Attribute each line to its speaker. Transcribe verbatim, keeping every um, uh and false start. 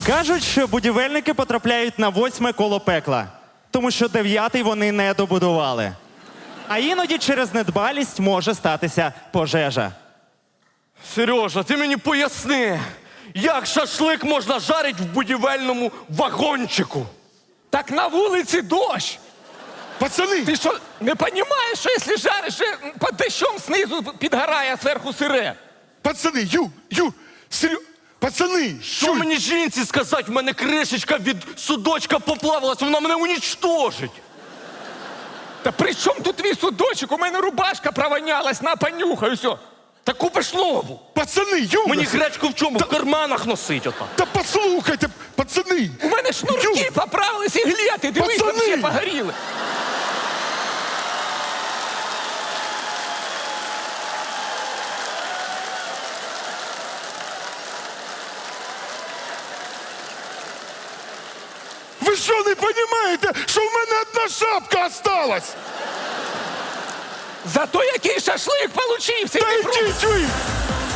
Speaker 1: Кажуть, що будівельники потрапляють на восьме коло пекла, тому що дев'ятий вони не добудували. А іноді через недбалість може статися пожежа.
Speaker 2: Сережа, ти мені поясни, як шашлик можна жарити в будівельному вагончику?
Speaker 3: Так на вулиці дощ.
Speaker 4: Пацани!
Speaker 3: Ти що, не розумієш, що якщо жариш, під дощом знизу підгорає, а зверху сире?
Speaker 4: Пацани, ю, ю, серйозно. Пацани,
Speaker 2: Що мені жінці сказати? В мене кришечка від судочка поплавилась, вона мене унічтожить.
Speaker 3: Та при чому тут твій судочок? У мене рубашка провонялась, на понюхай, все.
Speaker 2: Та купиш нову.
Speaker 4: Пацани, ю!
Speaker 2: Мені гречку в чому? В карманах носить отак.
Speaker 4: Та послухайте, пацани!
Speaker 3: У мене шнурки
Speaker 4: Ю!
Speaker 3: поправились і глети, дивись,
Speaker 4: Пацани!
Speaker 3: вообще погоріли.
Speaker 4: Ви що, не розумієте, що в мене одна шапка осталась?
Speaker 3: Зато який шашлик получився.
Speaker 4: Та
Speaker 3: і не
Speaker 4: йдіть ви!